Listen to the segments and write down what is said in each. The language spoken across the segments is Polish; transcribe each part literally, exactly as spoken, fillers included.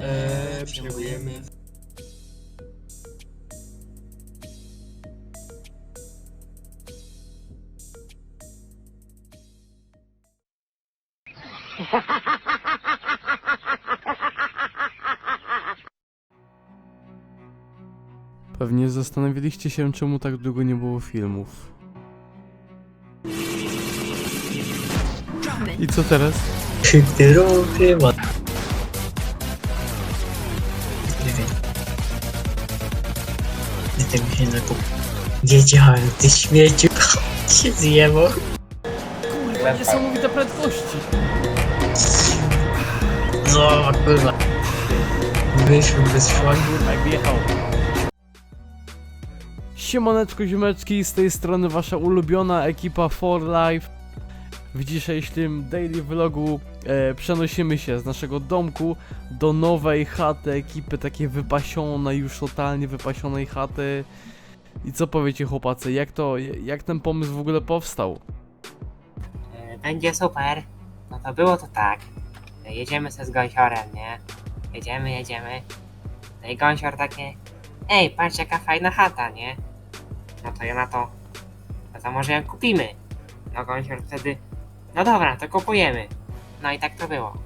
Eee, przyjmujemy. Pewnie zastanawialiście się, czemu tak długo nie było filmów. I co teraz? Ty chyba. Nie wiem. Gdy tego się zakup. Wiedziałem, ty śmieciu. Się zjebał. Kurwa, niesamowite prędkości! No, kurwa. Wyszłem bez szlagu. Jak wjechał. Siemaneczko ziomeczki, z tej strony wasza ulubiona ekipa For Life. W dzisiejszym daily vlogu e, przenosimy się z naszego domku do nowej chaty ekipy, takiej wypasionej, już totalnie wypasionej chaty. I co powiecie chłopacy, jak to, jak ten pomysł w ogóle powstał? Będzie super. No to było to tak. Jedziemy se z gąsiorem, nie? Jedziemy, jedziemy. No i gąsior takie: ej, patrz jaka fajna chata, nie? No to ja na to: no to może ją kupimy. No gąsior wtedy: no dobra, to kupujemy. No i tak to było.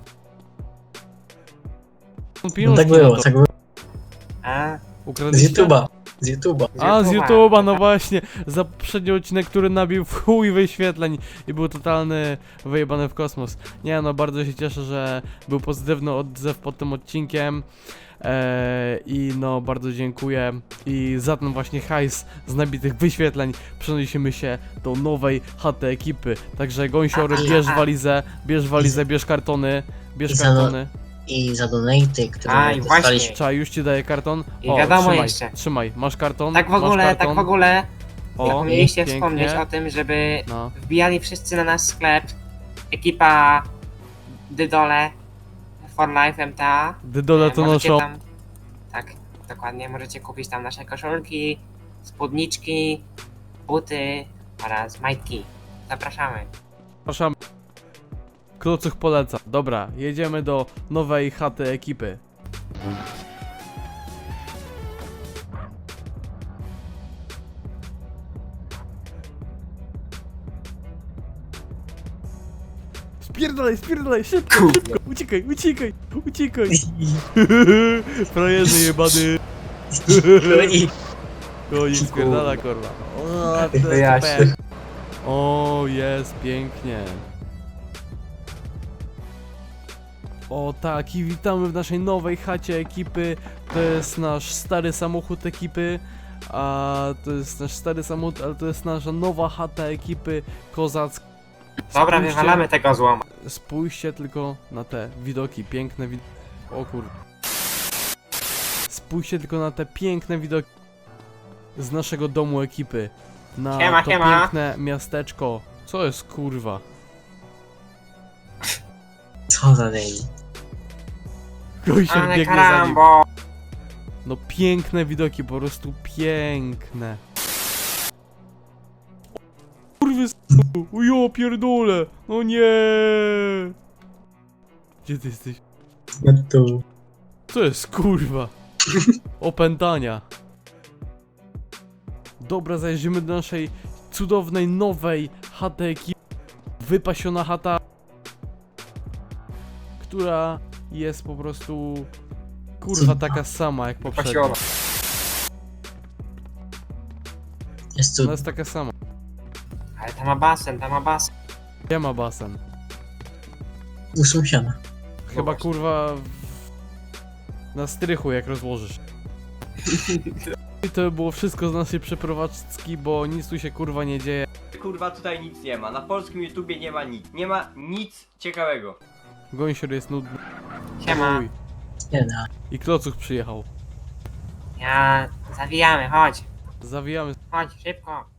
No tak było, tak było. A? Z Ukradliście? YouTube'a. Z YouTube'a. A, z YouTube'a, no właśnie. Za poprzedni odcinek, który nabił w chuj wyświetleń i był totalny wyjebany w kosmos. Nie no, bardzo się cieszę, że był pozytywny odzew pod tym odcinkiem. Eee, I no, bardzo dziękuję. I za ten właśnie hajs z nabitych wyświetleń przenosimy się do nowej chaty ekipy. Także gąsior, bierz walizę, bierz walizę, bierz kartony, bierz I za- kartony. I za donaty, które A, i dostaliśmy. właśnie. Czaj, już ci daję karton. I wiadomo trzymaj, jeszcze. trzymaj, masz karton. Tak w masz ogóle, karton. tak w ogóle. O, Zapomnieliście pięknie. wspomnieć o tym, żeby No. wbijali wszyscy na nasz sklep. Ekipa Dydole For Life M T A. Dydole to Możecie noszą. tam, tak, dokładnie, możecie kupić tam nasze koszulki, spódniczki, buty oraz majtki. Zapraszamy. Przepraszam. Klocuch poleca. Dobra, jedziemy do nowej chaty ekipy. Spierdalaj, spierdalaj, szybko, szybko, uciekaj, uciekaj, uciekaj. Frajerze jebany. No i Konik spierdala, kurwa. O, to To ja jest się- super. O, jest pięknie. O tak, i witamy w naszej nowej chacie ekipy. To jest nasz stary samochód ekipy. A to jest nasz stary samochód, ale to jest nasza nowa chata ekipy kozacka. Dobra, Spójrzcie- wywalamy tego złoma. Spójrzcie tylko na te widoki, piękne widoki. O kur... Spójrzcie tylko na te piękne widoki z naszego domu ekipy. Na Siema, to siema. piękne miasteczko. Co jest kurwa? co za daily. Gościor Ale biegnie za nim. karambo. No piękne widoki, po prostu piękne. O, kurwy s***, ujo pierdolę, no nie. Gdzie ty jesteś? No tu. Co jest kurwa? Opętania. Dobra, zajrzymy do naszej cudownej, nowej chaty ekipy. Wypasiona chata, która jest po prostu kurwa taka sama jak poprzednia. Pasiona. Jest tu. Ona jest taka sama. Ale tam ma basen, tam ma basen. Gdzie ma basen? U sąsiada. Chyba właśnie. kurwa w... na strychu jak rozłożysz. I to było wszystko z naszej przeprowadzki, bo nic tu się kurwa nie dzieje. Kurwa, tutaj nic nie ma. Na polskim YouTubie nie ma nic. Nie ma nic ciekawego. Gąsior jest nudny. Siema. Uj. Nie da. I klocuch przyjechał. Ja... Zawijamy, chodź. Zawijamy. Chodź, szybko.